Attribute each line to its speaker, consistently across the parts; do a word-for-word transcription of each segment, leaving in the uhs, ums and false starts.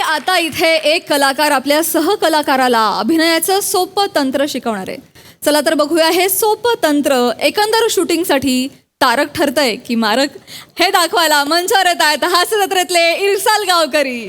Speaker 1: आता इथे एक कलाकार आपल्या सहकलाकाराला अभिनयाचं सोपं तंत्र शिकवणार आहे. चला तर बघूया हे सोपं तंत्र एकंदर शूटिंगसाठी तारक ठरतंय की मारक, हे दाखवायला मंचावर येत आहेत हास्य जत्रेतले इरसाल गावकरी.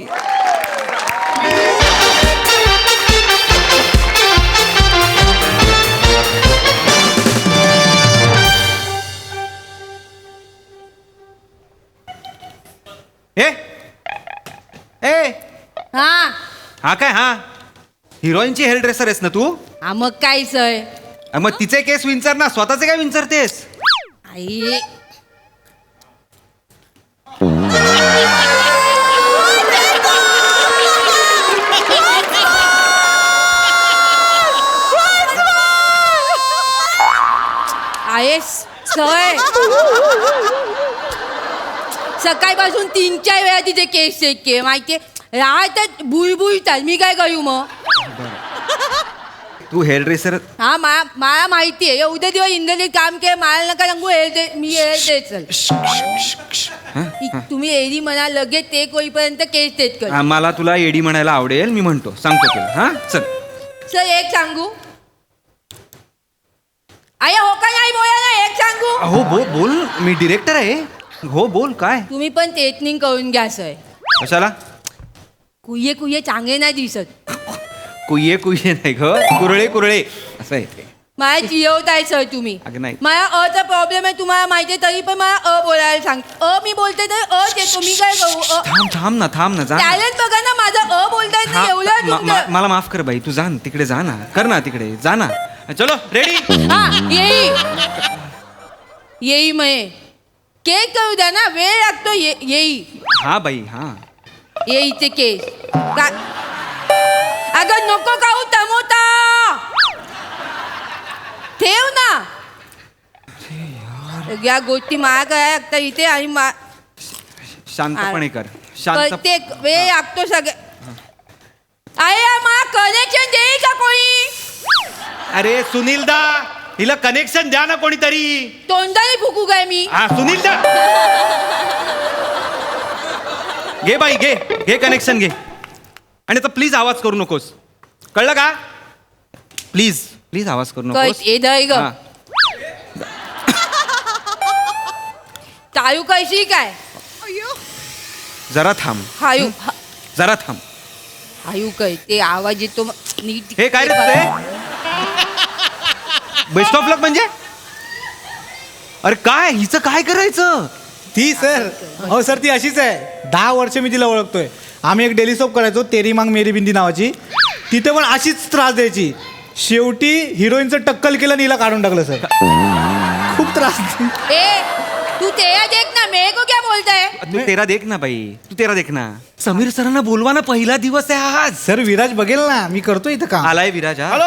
Speaker 2: ए ए
Speaker 3: हा
Speaker 2: हा काय हा हिरोईनची हेअर ड्रेसर आहेस ना तू?
Speaker 3: हा मग काय सय
Speaker 2: मग तिचे केस विंचर ना, स्वतःचे काय विंचरतेस?
Speaker 3: आई आहेस सय सकाळपासून तीन चार वेळा तिचे केस चेक के माहिती राहतात भुई भुईतात. मी काय करू मग?
Speaker 2: तू हेअर ड्रेसर
Speaker 3: हा मा मला माहिती आहे उद्या दिवस इंग्रजीत काम केलं मला नका सांगू हेअर दे मी हेअर दे चल तुम्ही एडी म्हणा लगेच ते होईपर्यंत केस देत कर.
Speaker 2: हा, मला तुला एडी म्हणायला आवडेल, मी म्हणतो, सांगतो तुला. हा चल.
Speaker 3: सर एक सांगू आय हो का नाही बोला ना एक सांगू.
Speaker 2: हो बोल बोल, मी डिरेक्टर आहे. हो बोल. काय
Speaker 3: तुम्ही पण टेटनिंग करून घ्या सर.
Speaker 2: कशाला?
Speaker 3: कुये कुये चांगले नाही दिसत.
Speaker 2: कुये कुये नाही ग, कुरळे कुरळे असं आहे ते.
Speaker 3: मला चिरवताय सर तुम्ही.
Speaker 2: अगं नाही.
Speaker 3: मला अचा प्रॉब्लेम आहे तुम्हाला माहिती आहे तरी पण मला अ बोलायला सांग. अ मी बोलते तर अ ते तुम्ही काय करू? अ
Speaker 2: थांब थांब ना थांब ना जा ना.
Speaker 3: टॅलेंट बघा ना माझं अ बोलताय
Speaker 2: हा,
Speaker 3: एवढं
Speaker 2: मा- मा-
Speaker 3: तुमचं.
Speaker 2: मला माफ कर बाई, तू जा ना तिकडे, जा ना, कर ना तिकडे, जा ना. चलो रेडी.
Speaker 3: हा येई येई मये केक करू द्या ना, वेळ लागतो. ये येई
Speaker 2: हा बाई हा.
Speaker 3: येईचे केस का अगं नको खाऊ टमोटा ठेव ना. या गोष्टी मला काय लागतं इथे आणि मा
Speaker 2: शांतपणे कर, शांत.
Speaker 3: ते वेळ लागतो सगळे. अरे मला कनेक्शन देईल का कोणी?
Speaker 2: अरे सुनील दा, हिला कनेक्शन द्या ना कोणीतरी.
Speaker 3: तोंडाने फुकू काय मी?
Speaker 2: हा सुनील दा, घे बाई घे घे कनेक्शन घे. आणि आता प्लीज आवाज करू नकोस, कळलं का? प्लीज प्लीज आवाज करू नकोस.
Speaker 3: कळ- ए दय ग.
Speaker 2: हा.
Speaker 3: चालू कशी काय?
Speaker 2: जरा थांब,
Speaker 3: हायू
Speaker 2: जरा थांब.
Speaker 3: हायू काय ते आवाज येतो म- नीट.
Speaker 2: हे काय रे तुझे बेस्ट ऑफ लक म्हणजे? अरे काय हिचं काय करायचं?
Speaker 4: ती सर हो सर ती अशीच आहे. दहा वर्ष मी तिला ओळखतोय. आम्ही एक डेली सोप करायचो तेरी मांग मेरी बिंदी नावाची. तिथे पण अशीच त्रास द्यायची. शेवटी हिरोईनचं टक्कल केलं आणि हिला काढून टाकलं सर. खूप त्रास.
Speaker 3: ए तू तेरा देख ना मेरे को क्या बोलता है?
Speaker 2: तू तेरा देख ना बाई, तू तेरा देख ना. समीर सरांना बोलवा ना, पहिला दिवस आहे आज.
Speaker 4: सर विराज बघेल ना मी करतो इथं काम.
Speaker 2: आलाय विराज. हा.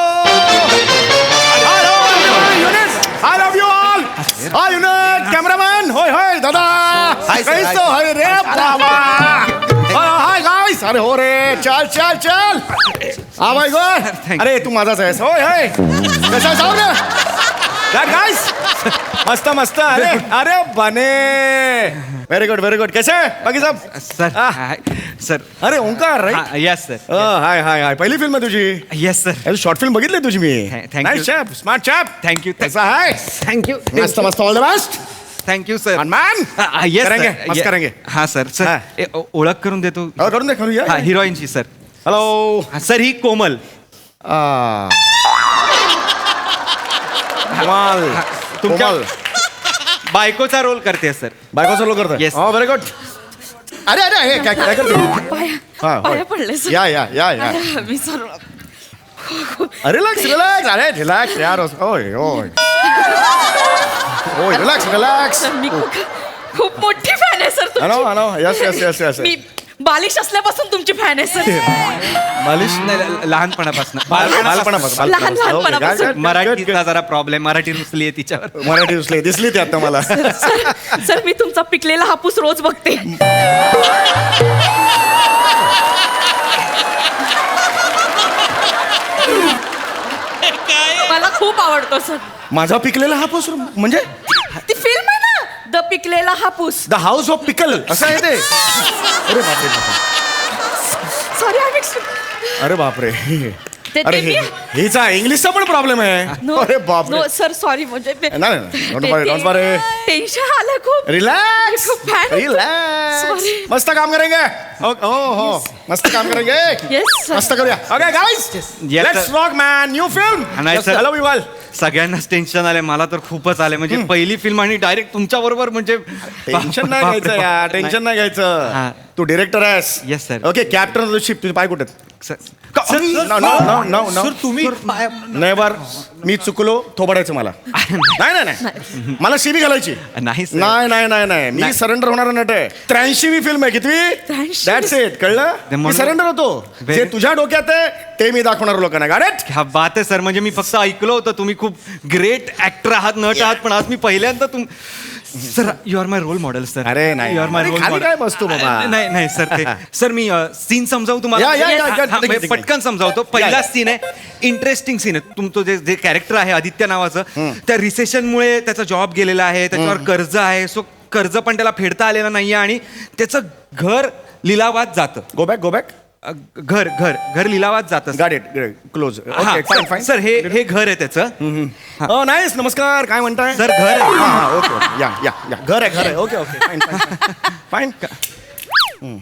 Speaker 5: I love you all. Hi unit, cameraman. Hoy hoy, दादा. कैसो है रे बाबा? Hi guys. अरे हो रे, चल चल चल. आ भाई गो.
Speaker 2: Thank
Speaker 5: अरे तू माझाच आहेस. होय होय. कसा जाऊ रे? That guys. मस्त मस्त. अरे अरे बने. Very good very good. कैसे बाकी सब?
Speaker 2: Sir hi, sir.
Speaker 5: अरे Omkar right.
Speaker 2: Yes sir.
Speaker 5: Hi hi hi. पहिली फिल्म आहे तुझी.
Speaker 2: Yes sir.
Speaker 5: शॉर्ट फिल्म बघितली तुझी मी.
Speaker 2: Thank- thank you.
Speaker 5: Nice chap, smart chap.
Speaker 2: Thank you
Speaker 5: कसा आहे?
Speaker 2: थँक्यू
Speaker 5: मस्त मस्त. All the best.
Speaker 2: Thank you sir.
Speaker 5: man.
Speaker 2: Yes
Speaker 5: करेंगे, मस्त करेंगे.
Speaker 2: हा सर.
Speaker 5: हा.
Speaker 2: सर ए, ओ- ओळख करून देतो.
Speaker 5: हो, करून दे करूया.
Speaker 2: हा हिरोईनची सर.
Speaker 5: हॅलो.
Speaker 2: हा, सर ही कोमल.
Speaker 5: कमाल.
Speaker 2: तुमच्या
Speaker 5: कोमल.
Speaker 2: बायकोचा रोल करते सर.
Speaker 5: बायको सलो करतो.
Speaker 2: Yes.
Speaker 5: हो व्हेरी गुड. अरे अरे हे काय काय करतो? हा, होय.
Speaker 1: पाया पडले सर.
Speaker 5: या या या या.
Speaker 1: मी सर
Speaker 5: रिलॅक्स रिलॅक्स. अरे रिलॅक्स यार. होय होय. होय रिलॅक्स रिलॅक्स.
Speaker 1: मी खूप खूप मोठी फॅन आहे sir
Speaker 5: hello hello. Yes yes yes yes.
Speaker 1: मी बालिश असल्यापासून तुमची फॅन आहे सर.
Speaker 2: मालिश नाही, लहानपणापासून.
Speaker 5: बालपणापासून.
Speaker 1: लहान- लहानपणापासून.
Speaker 2: मराठीचा जरा प्रॉब्लेम, मराठी रुसली आहे तिच्यावर.
Speaker 5: मराठी दिसली दिसली ती आता मला.
Speaker 1: सर मी तुमचा पिकलेला हापूस रोज बघते. मला खूप आवडतो सर.
Speaker 5: माझा पिकलेला हापूस म्हणजे
Speaker 1: ती फिल्म आहे ना द पिकलेला हापूस.
Speaker 5: द हाऊस ऑफ पिकल असं आहे ते. अरे बापरे.
Speaker 6: सॉरी आय
Speaker 5: अरे बापरे
Speaker 6: ते-
Speaker 5: अरे
Speaker 6: ते
Speaker 5: हे-
Speaker 6: मी-
Speaker 5: हिचा इंग्लिशचा पण प्रॉब्लेम आहे
Speaker 6: नो
Speaker 5: अरे बापरे
Speaker 6: नो सर सॉरी म्हणजे
Speaker 5: नाही नाही don't worry don't worry
Speaker 6: tension आलं खूप
Speaker 5: रिलॅक्स
Speaker 6: खूप fan होतो.
Speaker 5: Relax
Speaker 6: Sorry.
Speaker 5: मस्त काम करेंगे ओ हो हो मस्त काम करेंगे
Speaker 6: Yes, sir.
Speaker 5: मस्त करूया okay guys
Speaker 2: Yes,
Speaker 5: let's
Speaker 2: sir.
Speaker 5: Rock man new film
Speaker 2: नाही, sir.
Speaker 5: हॅलो विवाल
Speaker 2: सगळ्यांनाच टेन्शन आले मला तर खूपच आले म्हणजे पहिली फिल्म आणि डायरेक्ट तुमच्या बरोबर म्हणजे
Speaker 5: टेन्शन नाही
Speaker 2: बापरे,
Speaker 5: घ्यायचं यार
Speaker 2: बापरे.
Speaker 5: टेन्शन नाही
Speaker 2: हा.
Speaker 5: घ्यायचं तू डिरेक्टर आहेस
Speaker 2: Yes, sir.
Speaker 5: Okay captain of the ship तुझे पाय कुठे आहेत?
Speaker 2: Sir,
Speaker 5: No, no, no, no, no.
Speaker 4: Sir तुम्ही
Speaker 5: नाही बार मी चुकलो थोबडायचं मला नाही नाही नाही मला शिबी घालायची
Speaker 2: नाही, sir.
Speaker 5: नाही नाही नाही नाही मी
Speaker 2: नाही.
Speaker 5: सरेंडर होणारा नट आहे त्र्याऐंशीवी फिल्म आहे कितवी
Speaker 6: त्र्याऐंशी.
Speaker 5: दॅट्स इट कळलं
Speaker 2: ते
Speaker 5: मी
Speaker 2: म्हणून-
Speaker 5: सरेंडर होतो
Speaker 2: Very-
Speaker 5: जे तुझ्या डोक्यात आहे ते मी दाखवणार लोकांना गाडेट
Speaker 2: क्या बात आहे सर म्हणजे मी फक्त ऐकलं होतं तुम्ही खूप ग्रेट ऍक्टर आहात नट आहात पण आज मी पहिल्यांदा तुम sir you are my role model sir
Speaker 5: अरे नाही.
Speaker 2: यू आर माय
Speaker 5: अरे
Speaker 2: रोल
Speaker 5: खाली
Speaker 2: मॉडेल
Speaker 5: काय बसतो बाबा?
Speaker 2: नाही नाही सर ते सर मी सीन समजावू तुम्हाला
Speaker 5: या, या, या,
Speaker 2: हा,
Speaker 5: या,
Speaker 2: हा,
Speaker 5: ठीक आहे, ठीक आहे.
Speaker 2: पटकन समजावतो पहिला सीन आहे इंटरेस्टिंग सीन आहे तुमचं जे जे कॅरेक्टर आहे आदित्य नावाचं त्या रिसेशनमुळे त्याचा जॉब गेलेला आहे त्याच्यावर कर्ज आहे सो कर्ज पण त्याला फेडता आलेलं नाहीये आणि त्याचं घर लिलावात जातं
Speaker 5: गो बॅक गो बॅक
Speaker 2: अ, घर घर घर लिलावात जातं
Speaker 5: गाडेट क्लोज
Speaker 2: हा,
Speaker 5: ओके फाईन फाईन
Speaker 2: सर हे हे घर आहे त्याचं
Speaker 5: हो नाईस नमस्कार काय म्हणताय
Speaker 2: सर घर आहे
Speaker 5: हा हा ओके ओके या या या घर आहे घर आहे okay okay fine fine fine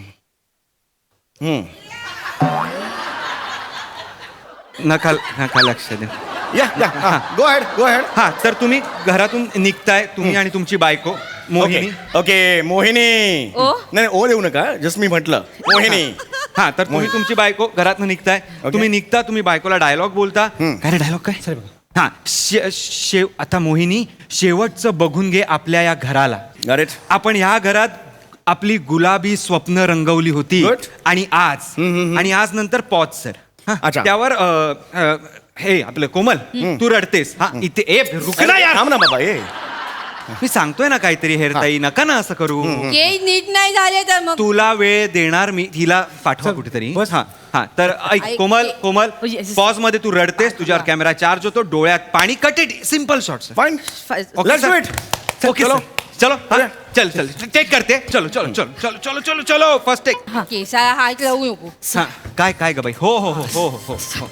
Speaker 2: नका नका लक्ष द्या
Speaker 5: या या गो हेड गो हेड
Speaker 2: हा तर तुम्ही घरातून निघताय तुम्ही आणि तुमची बायको मोहिनी
Speaker 5: ओके ओके मोहिनी
Speaker 6: ओ?
Speaker 5: नाही ओ देऊ नका जस्ट मी म्हटलं मोहिनी
Speaker 2: हा तर तुम्ही तुमची बायको घरातून निघताय तुम्ही निघता तुम्ही बायकोला डायलॉग बोलता काय रे डायलॉग काय हा शे- शेव आता मोहिनी शेवटचं बघून घे आपल्या या घराला
Speaker 5: गाडेट
Speaker 2: आपण ह्या घरात आपली गुलाबी स्वप्न रंगवली होती
Speaker 5: Good.
Speaker 2: आणि आज आणि आज नंतर पॉज सर हा,
Speaker 5: अच्छा.
Speaker 2: त्यावर अ, अ, हे आपलं कोमल तू रडतेस हा इथे ए रुक ना यार
Speaker 5: थांब ना बाबा ए
Speaker 2: मी सांगतोय ना काहीतरी हेरताई नका ना असं करू
Speaker 3: केस नीट नाही झाले तर मग
Speaker 2: तुला वेळ देणार मी हिला पाठवा कुठेतरी हा हा तर ऐक
Speaker 3: ऐक,
Speaker 2: कोमल
Speaker 3: ते-
Speaker 2: Komal
Speaker 6: Oh, yes, yes.
Speaker 2: Pause मध्ये तू रडतेस तुझ्यावर कॅमेरा चार्ज होतो डोळ्यात पाणी cut it simple shot
Speaker 5: fine Let's do it.
Speaker 2: Okay
Speaker 5: चलो.
Speaker 2: चलो हा, चल चल चेक करते चलो चलो चलो चलो चलो चलो चलो फर्स्ट टेक
Speaker 3: केसाला हात लावू नको
Speaker 2: हा काय काय ग बाई हो हो हो हो हो हो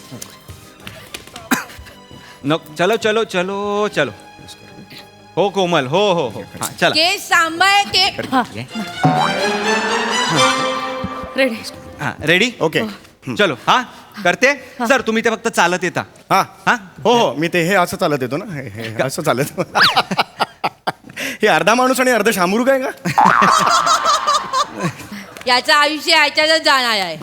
Speaker 2: न चलो चलो चलो चलो हो कोमल हो हो हो हा चला
Speaker 3: केस सांभाळ के
Speaker 6: रेडी
Speaker 2: हा रेडी
Speaker 5: ओके
Speaker 2: चलो हा करते सर तुम्ही ते फक्त चालत येता
Speaker 5: हा
Speaker 2: हा
Speaker 5: हो हो मी ते हे असं चालत येतो ना हे हे असं चालत हे अर्धा माणूस आणि अर्ध शामरू काय का
Speaker 3: याचं आयुष्य ह्याच्यातच जाणार आहे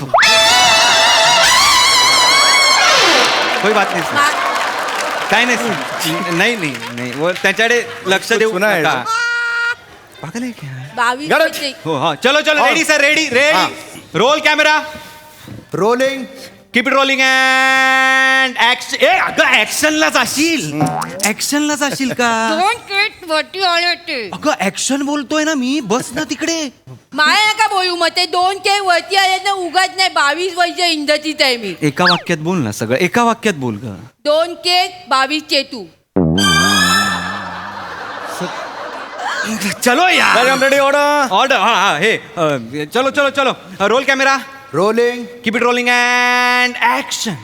Speaker 2: कोई बात नाही सर
Speaker 3: मा-
Speaker 2: काय नाही सर नाही नाही नाही व त्याच्याकडे लक्ष देऊ
Speaker 5: सुना है.
Speaker 2: नका पागल आहे क्या?
Speaker 3: बावीस
Speaker 5: गरज.
Speaker 3: वर्षे.
Speaker 2: हो हा चलो चलो
Speaker 5: हो.
Speaker 2: रेडी सर रेडी
Speaker 5: हा.
Speaker 2: Ready roll camera
Speaker 5: rolling
Speaker 2: keep it rolling and action ए अगं ऍक्शनला जाशील ऍक्शनला जाशील का
Speaker 3: दोन केस वरती आले ते
Speaker 2: अगं ऍक्शन बोलतोय ना मी बस ना तिकडे
Speaker 3: मला नका बोलू मग ते दोन केस वरती आले ना उगाच नाही बावीस वर्ष इंडस्ट्रीत आहे मी
Speaker 2: एका वाक्यात बोल ना सगळं एका वाक्यात बोल ग
Speaker 3: दोन केस बावीस चेतू
Speaker 2: चलो यार
Speaker 5: रेडी ऑर्डर
Speaker 2: ऑर्डर हा हा हे अ, चलो चलो चलो roll camera
Speaker 5: rolling
Speaker 2: keep it rolling and action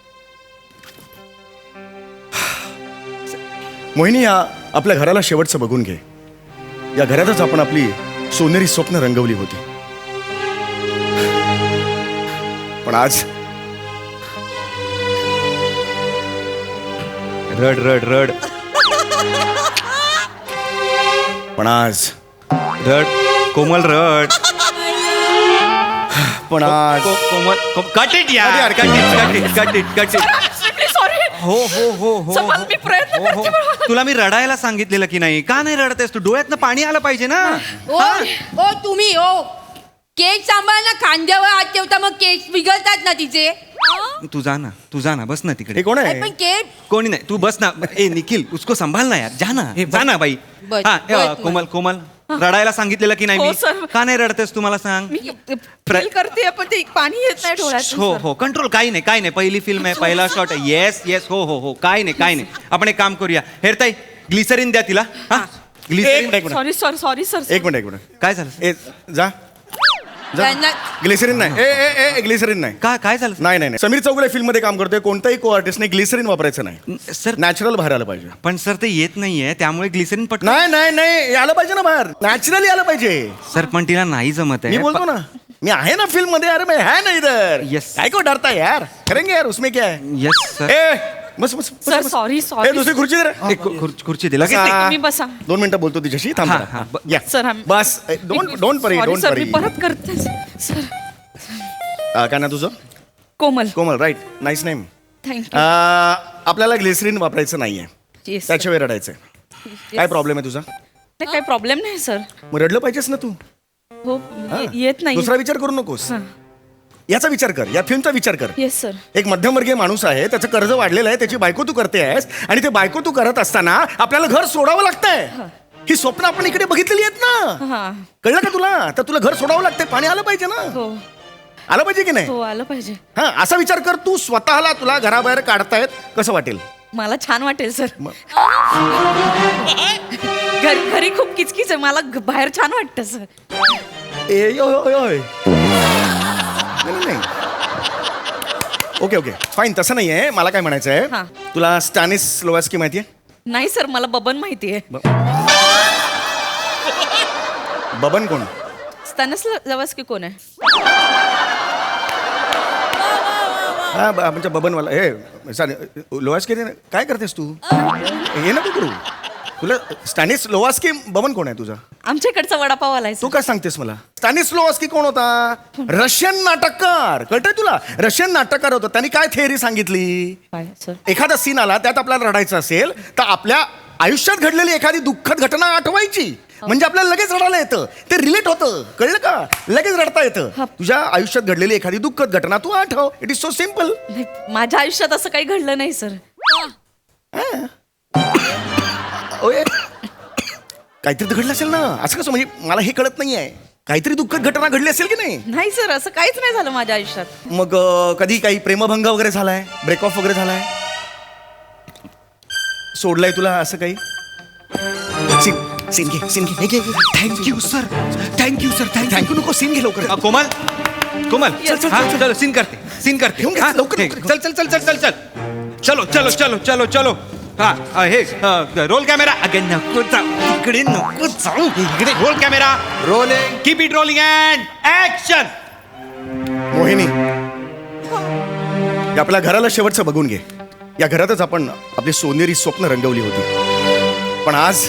Speaker 5: Mohini या आपल्या घराला शेवटचं बघून घे या घरातच आपण आपली सोनेरी स्वप्न रंगवली होती पण आज
Speaker 2: रड रड रड
Speaker 5: पण आज
Speaker 2: रड कोमल रड
Speaker 5: पण आज
Speaker 2: को- कोमल कट इट यार
Speaker 5: यार,
Speaker 2: cut it cut it cut it cut it
Speaker 6: sorry
Speaker 2: हो हो हो हो
Speaker 6: समज,
Speaker 2: हो.
Speaker 6: मी प्रयत्न
Speaker 2: हो, हो.
Speaker 6: करते बरोबर.
Speaker 2: तुला मी रडायला सांगितलेलं की नाही का नाही रडतेस तू डोळ्यातनं पाणी आलं पाहिजे ना
Speaker 3: ओ ओ तुम्ही ओ केस सांभाळ ना खांद्यावर हात ठेवता मग केस बिघडतात ना तिचे
Speaker 2: तू जा ना तू जा ना बस ना
Speaker 5: हे
Speaker 2: तिकडे
Speaker 5: कोण
Speaker 3: अरे
Speaker 5: आहे
Speaker 3: पण केस
Speaker 2: कोणी नाही तू बस ना ए निखिल उसको संभाल ना यार जा ना जा ना बाई
Speaker 3: बस,
Speaker 2: हा
Speaker 3: बस,
Speaker 2: अ,
Speaker 3: बस.
Speaker 2: कोमल कोमल रडायला सांगितलेलं की नाही
Speaker 6: हो,
Speaker 2: मी
Speaker 6: सर.
Speaker 2: का नाही रडतेस तू मला सांग
Speaker 6: मी फील करते पण ते पाणी येत नाही डोळ्यात
Speaker 2: हो हो कंट्रोल काही नाही काही नाही पहिली फिल्म आहे पहिला शॉट आहे येस येस हो हो हो काही नाही काही नाही आपण एक काम करूया हेरताई ग्लिसरीन द्या तिला हा
Speaker 5: एक
Speaker 2: ग्लिसरीन
Speaker 5: मिनिट, एक minute
Speaker 6: sorry sorry sorry sir
Speaker 5: एक मिनिट एक मिनिट
Speaker 2: काय झालं
Speaker 5: ए जा
Speaker 3: त्यांना
Speaker 5: ग्लिसरीन नाही ए ए ए ग्लिसरीन नाही
Speaker 2: काय काय झालं
Speaker 5: नाही नाही नाही. समीर चौगुले फिल्म मध्ये काम करतोय कोणताही को आर्टिस्टने ग्लिसरीन वापरायचं नाही
Speaker 2: सर
Speaker 5: नॅचरल बाहेर आलं पाहिजे
Speaker 2: पण सर ते येत नाहीये त्यामुळे ग्लिसरीन पट
Speaker 5: नाही नाही नाही आलं पाहिजे ना बाहेर नॅचरली आलं पाहिजे
Speaker 2: सर पण तिला नाही जमत
Speaker 5: मी
Speaker 2: आहे
Speaker 5: बोलतो ना मी आहे ना फिल्म मध्ये अरे मैं है ना इधर
Speaker 2: Yes.
Speaker 5: काय को डरता है यार करेंगे यार उसमें क्या है
Speaker 2: येस सर
Speaker 5: ए बस बस बस,
Speaker 6: सर
Speaker 5: बस.
Speaker 6: सॉरी
Speaker 5: ए
Speaker 6: सॉरी
Speaker 5: दुसरी खुर्ची दे रे.
Speaker 2: एक खुर्ची खुर्ची दे लगेच
Speaker 5: हा.
Speaker 2: दे.
Speaker 6: तुम्ही बसा.
Speaker 5: दोन मिनिटं बोलतो तिच्याशी थांब
Speaker 2: हा,
Speaker 5: जरा.
Speaker 2: हा, ब-
Speaker 5: या.
Speaker 6: सर, आम-
Speaker 5: बस don't don't worry
Speaker 6: Sorry,
Speaker 5: don't
Speaker 6: sir
Speaker 5: worry
Speaker 6: मी परत करते सर
Speaker 5: काय ना तुझं
Speaker 6: Komal
Speaker 5: Komal right nice name
Speaker 6: thank you
Speaker 5: आपल्याला ग्लिसरीन वापरायचं नाहीये
Speaker 6: येस
Speaker 5: त्याच्या वेळ रडायचंय काय प्रॉब्लेम आहे तुझा
Speaker 6: काही प्रॉब्लेम नाही सर
Speaker 5: मग रडलं पाहिजेस ना तू
Speaker 6: हो ये- येत नाही
Speaker 5: दुसरा विचार करू नकोस याचा विचार कर या फिल्मचा विचार कर
Speaker 6: येस सर
Speaker 5: एक मध्यमवर्गीय माणूस आहे त्याचं कर्ज वाढलेलं आहे त्याची बायको तू करते आहेस आणि ते बायको तू करत असताना आपल्याला घर सोडावं लागतंय ही स्वप्न आपण इकडे बघितलेली आहेत ना
Speaker 6: हा
Speaker 5: कळलं का तुला तर तुला घर सोडावं लागतंय पाणी आलं पाहिजे ना
Speaker 6: हो
Speaker 5: आलं पाहिजे की नाही
Speaker 6: हो आलं पाहिजे
Speaker 5: हा असा विचार कर तू स्वतःला तुला घराबाहेर काढतायत कसं वाटेल
Speaker 6: मला छान वाटेल सर
Speaker 5: मग.
Speaker 6: घरी घरी खूप किचकिच आहे मला घ- बाहेर छान वाटतं सर
Speaker 5: ए ओय, ओय, ओय. नाही, नाही, नाही. ओके ओके फाईन तसं नाही आहे मला काय म्हणायचं
Speaker 6: हा.
Speaker 5: आहे तुला स्टॅनिस लोवास्की माहिती आहे
Speaker 6: नाही सर मला बबन माहिती आहे
Speaker 5: बबन कोण
Speaker 6: स्टॅनस लवस्की कोण आहे
Speaker 5: हा ब- म्हणजे बबनवाला हे सॉरी लोवास्की रे, काय करतेस तू हे नको करू तुला स्टॅनिस लोवास्की बबन कोण आहे तुझा
Speaker 6: आमच्या इकडचा वडापाव आलाय
Speaker 5: तू काय सांगतेस मला स्टॅनिस लोवास्की कोण होता रशियन नाटककार कळतंय तुला रशियन नाटककार होता त्यांनी काय थेअरी सांगितली
Speaker 6: काय सर
Speaker 5: एखादा सीन आला त्यात आपल्याला रडायचं असेल तर आपल्या आयुष्यात घडलेली एखादी दुःखद घटना आठवायची म्हणजे आपल्याला लगेच रडायला येतं ते रिलेट होतं कळलं का लगेच रडता येतं तुझ्या आयुष्यात घडलेली एखादी दुःखद घटना तू आठव इट इज सो सिम्पल
Speaker 6: नाही, माझ्या आयुष्यात असं काही घडलं नाही सर
Speaker 5: ओए काहीतरी तर घडलं असेल ना असं कसं म्हणजे मला हे कळत नाहीये काहीतरी दुःखद घटना घडली असेल की नाही
Speaker 6: नाही सर असं काहीच नाही झालं माझ्या आयुष्यात
Speaker 5: मग अं, कधी काही प्रेमभंग वगैरे झालाय ब्रेक ऑफ वगैरे झालाय सोडलाय तुला असं काही सीन सीन घे सीन घे
Speaker 2: thank you sir thank you sir thank you
Speaker 5: thank you नको सीन घे लवकर
Speaker 2: कोमल कोमल
Speaker 5: चल, चल,
Speaker 2: हा,
Speaker 5: चल, चल.
Speaker 2: चलो सीन करते सीन करते
Speaker 5: घेऊन घे,
Speaker 2: हा,
Speaker 5: लवकर,
Speaker 2: हे,
Speaker 5: लवकर.
Speaker 2: चल चल चल चल चल चल चलो चलो चलो चलो चलो हा अ, हे रोल कॅमेरा अगेन नको जाऊ इकडे नको जाऊ इकडे roll camera rolling keep it rolling and action
Speaker 5: Mohini या आपल्या घराला शेवटचं बघून घे या घरातच आपण आपली सोनेरी स्वप्न रंगवली होती पण आज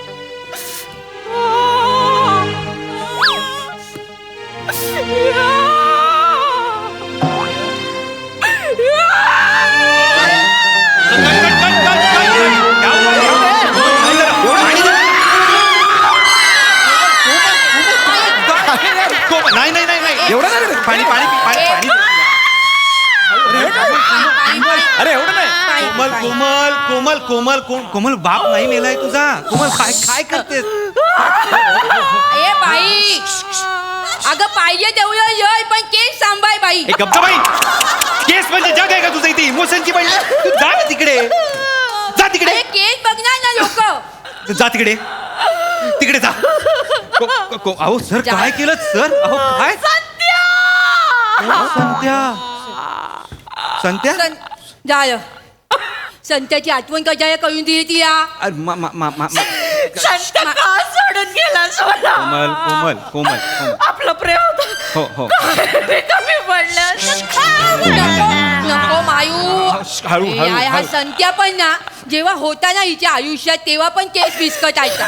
Speaker 2: नाही नाही नाही नाही
Speaker 5: एवढं नाही रे.
Speaker 2: पाणी पाणी पाणी पाणी
Speaker 5: अरे एवढं नाही
Speaker 2: कोमल कोमल कोमल कोमल कोम कोमल बाप नाही मेलाय तुझा कोमल काय काय करतेस
Speaker 3: ए बाई अगं पाहिजे तेवढं येय पण केस सांभाळ बाई
Speaker 2: एक गप्पा बाई केस म्हणजे जग आहे का तुझं इथे इमोशनची बाई तू जा ना तिकडे जा तिकडे
Speaker 3: अरे केस बघणार ना लोक
Speaker 2: जा तिकडे तिकडे जा को- को- को- अहो सर
Speaker 3: जा.
Speaker 2: काय केलं सर अहो काय संत्या संत्या
Speaker 3: जाय संत्याची आठवण कशाला करून दिली ती या
Speaker 2: अरे, मा- मा- मा- मा- मा-
Speaker 6: संत का सोडून गेला सोडा
Speaker 2: कोमल कोमल कोमल कोमल
Speaker 6: आपलं प्रेम होतं
Speaker 2: हो हो
Speaker 6: मी कमी पडलं
Speaker 3: नको नको मायू
Speaker 2: हळू,
Speaker 3: ए,
Speaker 2: हळू,
Speaker 3: हा हा
Speaker 2: हळू.
Speaker 3: संत्या पण ना जेव्हा होता ना हिच्या आयुष्यात तेव्हा पण केस विस्कटायचा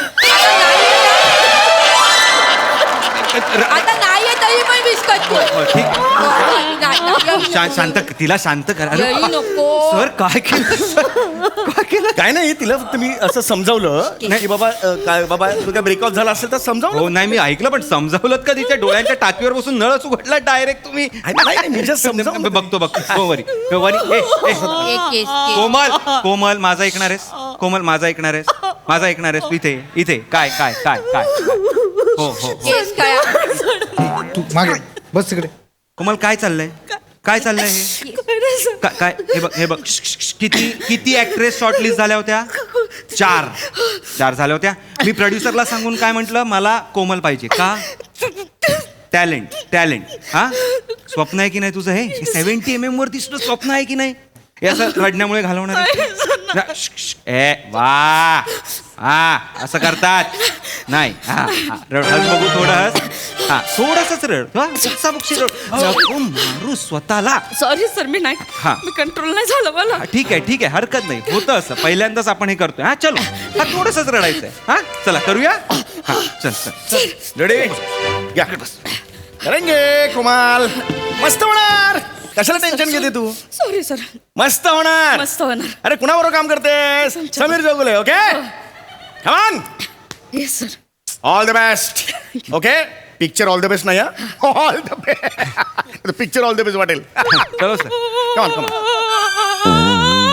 Speaker 3: आता नाही तरी पण विस्कटतो
Speaker 2: हो, ठीक
Speaker 3: नाही, नाही,
Speaker 2: शा- शांत तिला शांत करा अरे,
Speaker 3: येई नको.
Speaker 2: सर काय केलं सर काय केलं
Speaker 5: काय नाही तिला फक्त मी असं समजावलं की बाबा अ, काय बाबा तुझा ब्रेकऑफ झाला असेल तर समजावलं
Speaker 2: हो नाही मी ऐकलं पण समजावलं का तिच्या डोळ्यांच्या टाकीवर बसून नळच उघडला डायरेक्ट तुम्ही
Speaker 5: नाही, नाही, मी just समजावलं.
Speaker 2: बघतो बघतो हो वरी हो, वरी ए, ए.
Speaker 3: एक केस केस.
Speaker 2: कोमल कोमल माझा ऐकणार आहेस कोमल माझा ऐकणार आहेस माझा ऐकणार आहेस तू इथे इथे काय काय काय काय हो हो हो
Speaker 3: केस काय
Speaker 4: तू मागे बस तिकडे
Speaker 2: कोमल काय चाललंय काय चाललंय हे का- काय हे बघ हे बघ श- श- श- किती किती ऍक्ट्रेस शॉर्टलिस्ट झाल्या होत्या चार चार झाल्या होत्या मी प्रोड्युसरला सांगून काय म्हटलं मला कोमल पाहिजे का टॅलेंट टॅलेंट हा स्वप्न आहे की नाही तुझं हे सेव्हन्टी एम एम वर दिसणं स्वप्न आहे की नाही हे असं रडण्यामुळे घालवणार आहे? ना, श, श, ए वा हा असं करतात नाही हा हा, रड हस बघू थोडं हस हा थोडंसंच रड हा, बुक्सा बुक्शी रड नको मारू स्वतःला.
Speaker 6: सॉरी सर मी नाही
Speaker 2: हा.
Speaker 6: मी कंट्रोल नाही झालं मला
Speaker 2: हा, ठीक आहे ठीक आहे हरकत नाही होतं असं पहिल्यांदाच आपण हे करतोय हा चलो हा थोडंसंच रडायचंय हा चला करूया हा चल चल
Speaker 5: रेडी या करेंगे कुमाल मस्त होणार कशाला टेन्शन घेते तू
Speaker 6: सॉरी सर
Speaker 5: मस्त होणार
Speaker 6: मस्त होणार
Speaker 5: अरे कुणाबरोबर काम करतेस Sameer Jogule okay come on
Speaker 6: yes sir
Speaker 5: all the best okay picture all the best नाही all the best picture all the best वाटेल
Speaker 2: चलो सर
Speaker 5: कमान कमान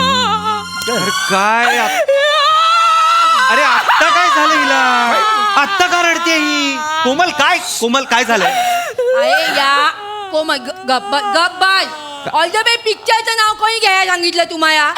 Speaker 2: अरे काय आप- अरे आत्ता काय झालं हिला आत्ता का रडते ही कोमल काय कोमल काय झालंय
Speaker 3: अरे या कोमल गब्बा गब्बाल ऑल द वे पिक्चरचं नाव कोणी घ्यायला सांगितलं तुम्हाला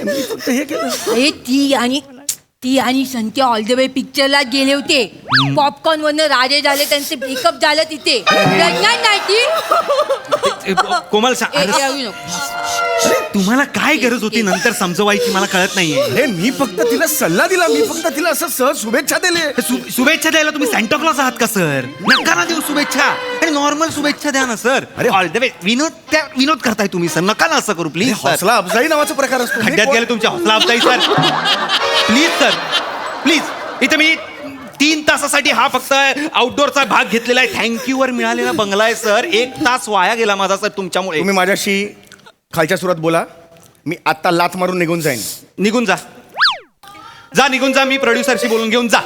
Speaker 3: अरे ती आणि ती आणि संत्या ऑल द वे पिक्चरला गेले होते पॉपकॉर्न वरनं राजे झाले त्यांचे ब्रेकअप झालं तिथे रडणार नाही ती
Speaker 2: ए, कोमल सा-
Speaker 3: ए,
Speaker 2: अरे,
Speaker 3: ए, येऊ नको.
Speaker 2: तुम्हाला काय गरज होती नंतर समजवायची मला कळत नाहीये
Speaker 5: अरे मी फक्त तिला सल्ला दिला मी फक्त तिला असं सहज शुभेच्छा दिले
Speaker 2: शु- शुभेच्छा द्यायला तुम्ही सॅन्टा क्लॉज आहात का सर नका ना देऊ शुभेच्छा आणि नॉर्मल शुभेच्छा द्या ना सर अरे ऑल द वे विनोद त्या विनोद करताय तुम्ही सर नका ना असं करू प्लीज सर
Speaker 5: हौसला अफजाई नावाचा प्रकार असतो
Speaker 2: खड्ड्यात गेले तुमच्या हौसला अफजाई सर प्लीज सर प्लीज इथे मी तीन तासासाठी हा फक्त आउटडोअरचा भाग घेतलेला आहे थँक्यू वर मिळालेला बंगला आहे सर एक तास वाया गेला माझा सर तुमच्यामुळे
Speaker 5: तुम्ही माझ्याशी खालच्या सुरात बोला मी आत्ता लाथ मारून निघून जाईन
Speaker 2: निघून जा जा निघून जा मी प्रोड्युसरशी बोलून घेऊन जा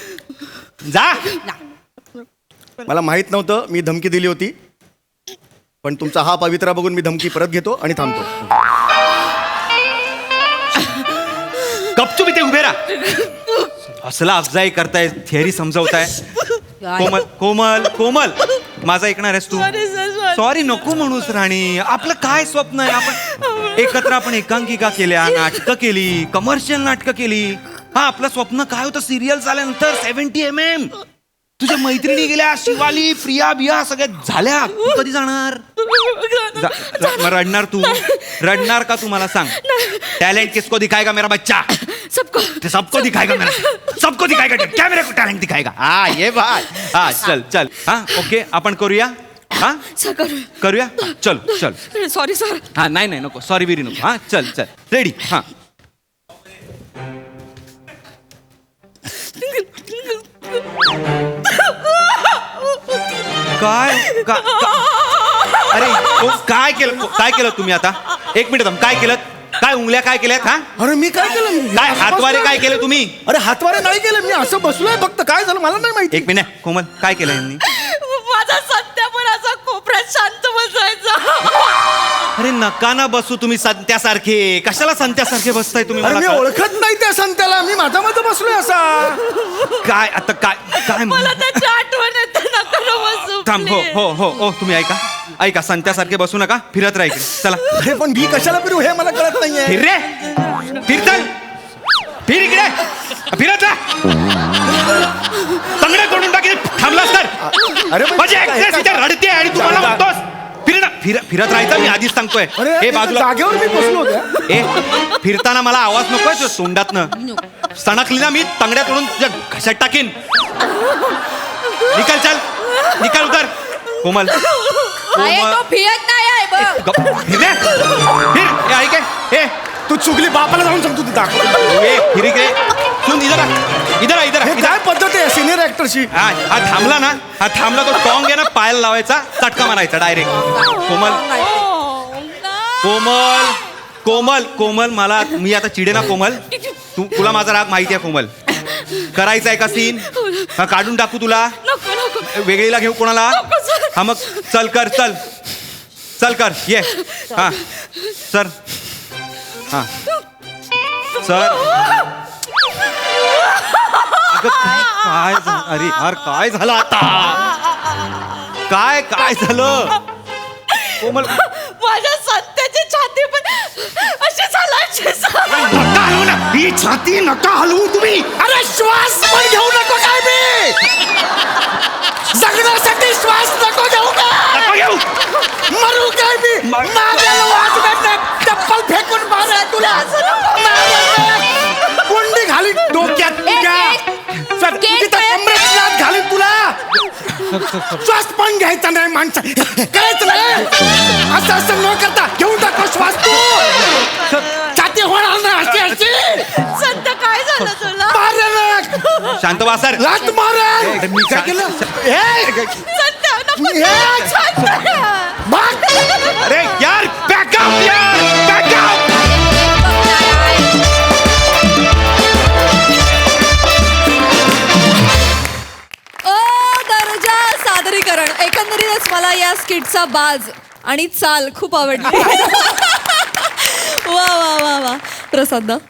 Speaker 2: जा
Speaker 5: मला माहित नव्हतं मी धमकी दिली होती पण तुमचा हा पवित्रा बघून मी धमकी परत घेतो आणि थांबतो
Speaker 2: गपचूप इथे उभे राहा असला अफजाई करताय थिअरी समजवताय कोमल कोमल कोमल माझा ऐकणार आहेस तू
Speaker 6: Sorry, sir, sorry.
Speaker 2: सॉरी नको म्हणूस राणी आपलं काय स्वप्न आहे आपण एकत्र आपण एकांकिका केल्या नाटकं केली कमर्शियल नाटकं केली हा आपलं स्वप्न काय होतं सिरियल झाल्यानंतर सेव्हन्टी एम एम तुझ्या मैत्रिणी गेल्या शिवाली प्रिया बिया सगळ्या झाल्या तू कधी जाणार जा- जा- मग रडणार तू रडणार का तू मला सांग टैलेंट किसको दिखाएगा मेरा बच्चा
Speaker 6: सबको
Speaker 2: ते सबको दिखाएगा मेरा सबको दिखाएगा क्या मेरे को टैलेंट दिखाएगा हा ये बात हा चल चल हा ओके आपण करूया हा
Speaker 6: सर करू
Speaker 2: करूया हा, चलो चल
Speaker 6: सॉरी सर
Speaker 2: हा नाही नाही नको सॉरी बिरी नको हा चल चल रेडी हा काय का- का- अरे ओ, काय केलं काय केलं तुम्ही आता एक मिनिट थांब काय केलं काय उंगल्या काय केल्यात हा
Speaker 5: अरे मी काय केलं मी
Speaker 2: काय हातवारे काय केलं तुम्ही
Speaker 5: अरे हातवारे नाही केलं मी असं बसलोय फक्त काय झालं मला नाही माहिती
Speaker 2: एक मिनिट कोमल काय केलं यांनी
Speaker 6: माझा सध्या पण असा कोपऱ्यात शांत बसायचा
Speaker 2: अरे नका ना बसू तुम्ही संत्यासारखे कशाला संत्यासारखे बसताय तुम्ही
Speaker 5: अरे
Speaker 2: मला
Speaker 5: मी
Speaker 2: कळ-
Speaker 5: ओळखत नाही त्या संत्याला मी माझा माझा बसलोय असा
Speaker 2: काय आता काय काय म्हण-
Speaker 6: मला त्याची आठवण येते नका ना बसू
Speaker 2: थांब हो
Speaker 6: please.
Speaker 2: हो हो हो तुम्ही ऐका ऐका संत्यासारखे बसू नका फिरत राहा इकडे चला
Speaker 5: अरे पण मी कशाला फिरू हे मला कळत नाहीये
Speaker 2: फिर रे फिर चल फिर इकडे फिरत राहा तंगडे तोडून टाकी थांबलास तर
Speaker 5: अरे पण
Speaker 2: माझी
Speaker 5: काय-
Speaker 2: actress इथे रडते आणि तू मला म्हणतोस फिर फिर फिरत राहायचं मी आधीच सांगतोय
Speaker 5: अरे
Speaker 2: हे
Speaker 5: त्या
Speaker 2: बाजूला
Speaker 5: जागेवर मी बसलो होतो
Speaker 2: ए फिरताना मला आवाज नकोय तुझ्या तोंडातनं सणकली ना मी तंगड्या तोडून तुझ्या घशात टाकीन निकाल चल निकाल उतर कोमल
Speaker 3: अरे
Speaker 2: कोमल
Speaker 3: तो फिरत नाही आहे बघ
Speaker 2: गप- फिर रे. फिर ए, ऐक ए. ए
Speaker 5: तू चुकली बापाला जाऊन सांगतो तू दाखव
Speaker 2: ए फिर इकडे सुन इधर आ. इधर आ, इधर आ,
Speaker 5: हे
Speaker 2: इधर
Speaker 5: काय पद्धत आहे सिनियर ऍक्टरची
Speaker 2: हा हा थांबला ना हा थांबला तो टॉंग आहे ना पायाला लावायचा चटका मारायचा डायरेक्ट कोमल कोमल कोमल कोमल मला मी आता चिडे ना कोमल तू तुला माझा राग माहिती आहे कोमल करायचा आहे का सीन हा काढून टाकू तुला
Speaker 6: नको नको
Speaker 2: वेगळीला घेऊ कोणाला
Speaker 6: नको सर.
Speaker 2: हा मग चल कर चल चल कर ये हा सर हा सर अगं काय काय झा- अरे यार काय झालं आता काय काय झालं कोमल
Speaker 6: माझ्या सत्याची छाती पण अशी झालायची
Speaker 2: नका हलवू ना ही छाती नका हलवू तुम्ही
Speaker 5: अरे श्वास पण घेऊ नको काय मी जगण्यासाठी श्वास नको घेऊ का
Speaker 2: नको घेऊ.
Speaker 5: मरू काय मी माझ्या वाजव्यात चप्पल फेकून मारा तुला मारेल. गुंडी घाली डोक्यात तुझ्या. सर, तिथं कमरेत लाथ घालीन तुला. श्वास पण घ्यायचा नाही माणसा करायचं नाही असं असं न करता घेऊन टाको श्वास तू छाती होणार ना अशी अशी
Speaker 6: संत काय झालं तुला
Speaker 5: मारेल
Speaker 2: शांत बसा सर.
Speaker 5: लाथ मारेल
Speaker 2: मी
Speaker 5: काय केलं हे
Speaker 6: संत नको
Speaker 5: हे
Speaker 6: संत.
Speaker 5: भाग.
Speaker 2: अरे यार बॅकअप यार बॅकअप.
Speaker 1: ओ दर्जा सादरीकरण. एकंदरीतच मला या स्किटचा बाज आणि चाल खूप आवडली. वा वा वा वा प्रसाद दा.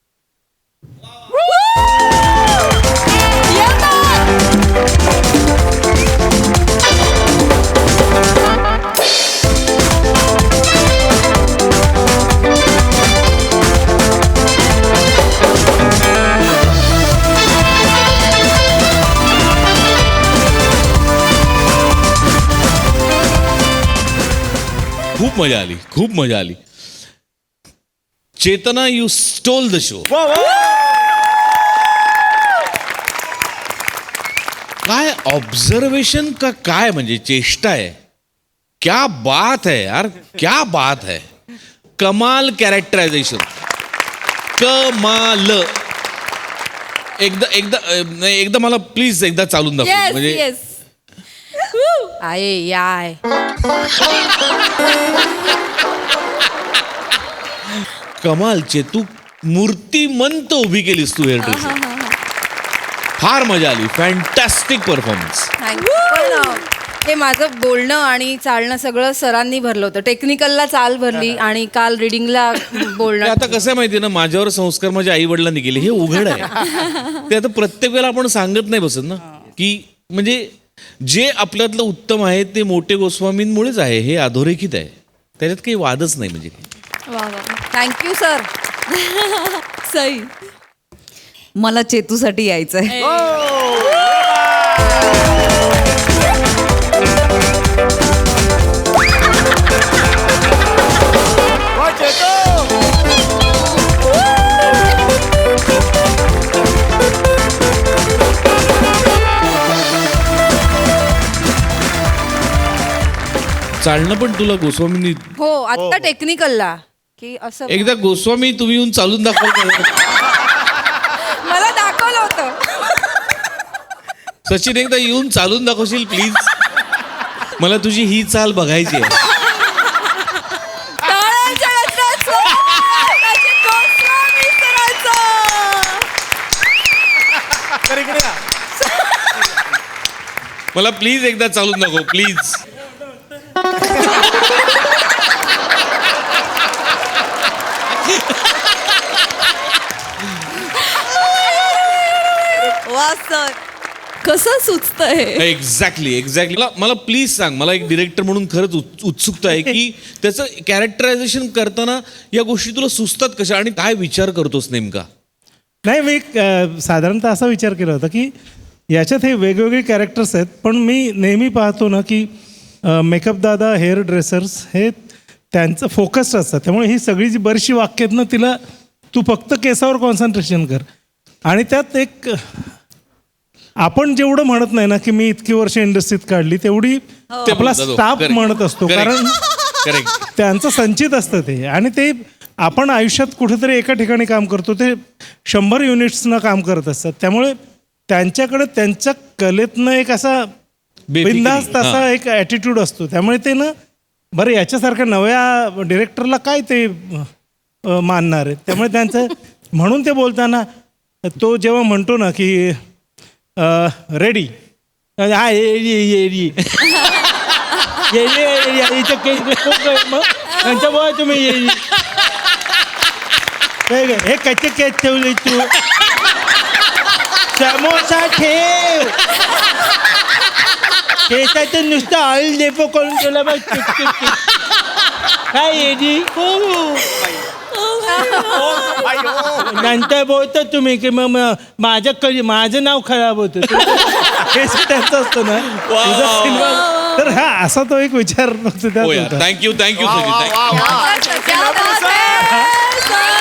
Speaker 7: खूप मजा आली खूप मजा आली. Chetana you stole the show. काय ऑब्झर्वेशन का काय म्हणजे चेष्टा आहे. क्या बात है यार क्या बात है. कमाल कॅरेक्टरायझेशन कमाल. एकदा एकदा अं, नाही, एकदा मला प्लीज एकदा चालून दाखव
Speaker 1: येस
Speaker 7: म्हणजे
Speaker 1: येस.
Speaker 3: आहे याय
Speaker 7: कमाल चेतू मूर्तिमंत उभी केलीस तू हेअर ड्रेसर. फार मजा आली. Fantastic performance.
Speaker 3: थँक्यू. पण अं, हे माझं बोलणं आणि चालणं सगळं सरांनी भरलं होतं. टेक्निकलला चाल भरली आणि काल रिडिंगला बोलणं.
Speaker 7: आता कसं आहे माहिती ना माझ्यावर संस्कार माझ्या आई वडिलांनी केले हे उघड आहे. ते आता प्रत्येक वेळेला आपण सांगत नाही बसत ना की म्हणजे जे आपल्यातलं उत्तम आहे ते मोठे गोस्वामींमुळेच आहे हे अधोरेखित आहे. त्याच्यात काही वादच नाही म्हणजे.
Speaker 1: वा वा
Speaker 3: थँक्यू सर.
Speaker 1: सई.
Speaker 6: मला चेतूसाठी यायचंय.
Speaker 7: चालणं पण तुला गोस्वामींनी
Speaker 3: हो आत्ता टेक्निकलला की असं
Speaker 7: एकदा गोस्वामी तुम्ही येऊन चालून दाखवा.
Speaker 3: मला दाखवलं होतं.
Speaker 7: सचिन एकदा येऊन चालून दाखवशील प्लीज. मला तुझी ही चाल बघायची आहे.
Speaker 1: टाळ्यांच्या गजरात स्वागत गोस्वामी सरांचं.
Speaker 7: मला प्लीज एकदा चालून दाखव प्लीज.
Speaker 1: वा सर कसं सुचतं हे.
Speaker 7: Exactly exactly. मला मला प्लीज सांग. मला एक डिरेक्टर म्हणून खरंच उत्- उत्सुकता आहे की त्याचं कॅरेक्टरायझेशन करताना या गोष्टी तुला सुचतात कशा आणि काय विचार करतोस नेमका.
Speaker 8: नाही मी अ, साधारणतः असा विचार केला होता की याच्यात हे वेगवेगळे कॅरेक्टर्स आहेत पण मी नेहमी पाहतो ना की मेकअप दादा हेअर ड्रेसर्स हे त्यांचं फोकस्ड असतात. त्यामुळे ही सगळी जी बरीचशी वाक्य आहेत ना तिला तू फक्त केसावर कॉन्सन्ट्रेशन कर. आणि त्यात एक आपण जेवढं म्हणत नाही ना की मी इतकी वर्ष इंडस्ट्रीत काढली तेवढी
Speaker 7: ते
Speaker 8: आपला
Speaker 7: बोलतात, हो.
Speaker 8: Staff
Speaker 7: Correct.
Speaker 8: म्हणत असतो.
Speaker 7: Correct.
Speaker 8: कारण
Speaker 7: करेक्ट.
Speaker 8: त्यांचं संचित असतं ते आणि ते आपण आयुष्यात कुठेतरी एका ठिकाणी काम करतो ते शंभर युनिट्सनं काम करत असतात. त्यामुळे त्यांच्याकडे त्यांच्या कलेतनं एक असा बिनधास्त असा एक ॲटिट्यूड असतो. त्यामुळे ते ना बरं याच्यासारख्या नव्या डिरेक्टरला काय ते अ, मानणार आहे. त्यामुळे त्यांचं म्हणून ते बोलताना तो जेव्हा म्हणतो ना की रेडी हा येडी त्यांच्यामुळे तुम्ही येईल हे कच्चे केस ठेवले तू समोसा ठेव केसाचं नुसतं ऑइल डेपो करून तुला बघ काय येडी नंतर बोलतो तुम्ही की मग माझं कधी माझं नाव खराब होतं हे त्यांचं असतं ना तुझा सिनेमा तर हा असा तो एक विचार फक्त त्यात
Speaker 7: हो यार
Speaker 8: होता.
Speaker 7: थँक्यू थँक्यू
Speaker 5: वा, वा,
Speaker 7: सगळी
Speaker 5: वा, वा.
Speaker 1: क्या बात है, सर.